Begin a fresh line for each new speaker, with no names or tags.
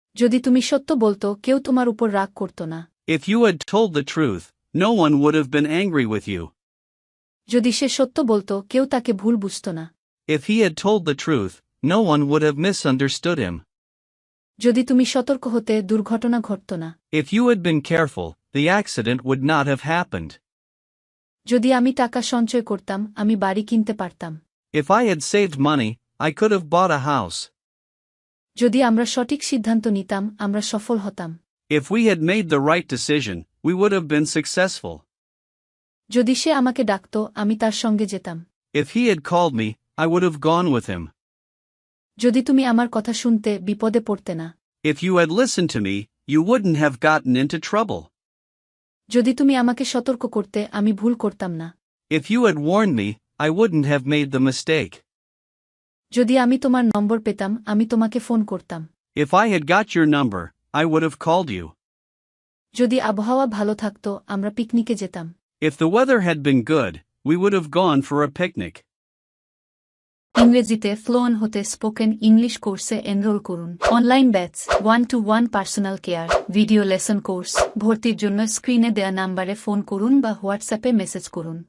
যদি তুমি সত্য বলতো কেউ তোমার উপর রাগ করত না।
If you had told the truth, no one would have been angry with you.
যদি সে সত্য বলতো কেউ তাকে ভুল বুঝত না।
If he had told the truth, no one would have misunderstood him.
যদি তুমি সতর্ক হতে দুর্ঘটনা ঘটত না।
If you had been careful, the accident would not have happened.
যদি আমি টাকা সঞ্চয় করতাম আমি বাড়ি কিনতে পারতাম।
If I had saved money, I could have bought a house.
যদি আমরা সঠিক সিদ্ধান্ত নিতাম আমরা সফল হতাম।
If we had made the right decision, we would have been successful.
যদি সে আমাকে ডাকত আমি তার সঙ্গে যেতাম।
If he had called me, I would have gone with him.
যদি তুমি আমার কথা শুনতে বিপদে পড়তে না।
If you had listened to me, you wouldn't have gotten into trouble.
যদি তুমি আমাকে সতর্ক করতে আমি ভুল করতাম না।
If you had warned me, I wouldn't have made the mistake.
যদি আমি তোমার নম্বর পেতাম আমি তোমাকে ফোন করতাম।
If I had got your number, I would have called you.
যদি আবহাওয়া ভালো থাকত আমরা পিকনিকে যেতাম।
If the weather had been good, we would have gone for a picnic.
ইংরেজিতে ফ্লুয়েন্ট হতে স্পোকেন ইংলিশ কোর্সে এনরোল করুন। Online batch 1-to-1 personal care video lesson course ভর্তির জন্য স্ক্রিনে দেয়া নাম্বারে ফোন করুন বা হোয়াটসঅ্যাপে মেসেজ করুন।